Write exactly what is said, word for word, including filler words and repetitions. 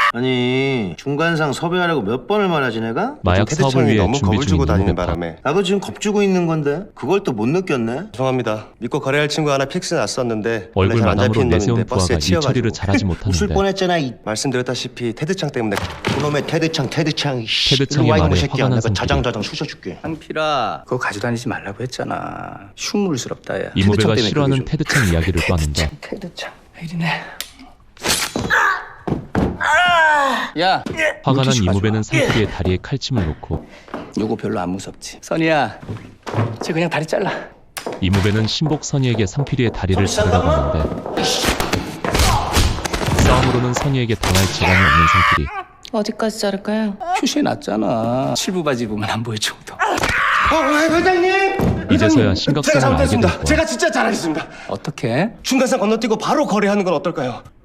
아니 중간상 섭외하라고 몇 번을 말하지 내가? 마약 사업을 테드창이 위해 너무 준비 겁을 중인 주고 다니는 이모베파. 바람에 나도 지금 겁주고 있는 건데 그걸 또 못 느꼈네. 죄송합니다. 믿고 거래할 친구 하나 픽스 났었는데 원래 얼굴 잘 안 마담으로 잡히는 내세운 놈인데 부하가 버스에 일 처리를 치여가지고 잘하지 웃을 못하는데 뻔했잖아 이 말씀드렸다시피 테드창 때문에 그놈의 테드창 테드창 씨. 테드창의 일로 와, 이놈의 말에 새끼야. 화가 난 내가 상필이. 자장자장 쑤셔줄게. 상필아 그거 가져다니지 말라고 했잖아. 흉물스럽다 야. 이모베가 테드창 때문에 싫어하는 그게 좀- 테드창 이야기를 꺼낸다. 테드창 왜 이러네. 야 화가 난 물티슈 이모베는 가져와. 상필이의 다리에 칼침을 놓고 요거 별로 안 무섭지. 선이야 쟤 그냥 다리 잘라. 이모베는 신복 선이에게 상필이의 다리를 자르라고 하는데 싸움으로는 선이에게 당할 재간이 없는 상필이. 어디까지 자를까요? 표시해 놨잖아. 칠부 바지 보면 안 보일 정도. 어, 회장님! 이제서야 제가 심각성을 알게 잘못했습니다. 됐고 제가 진짜 잘하겠습니다. 어떻게? 중간상 건너뛰고 바로 거래하는 건 어떨까요?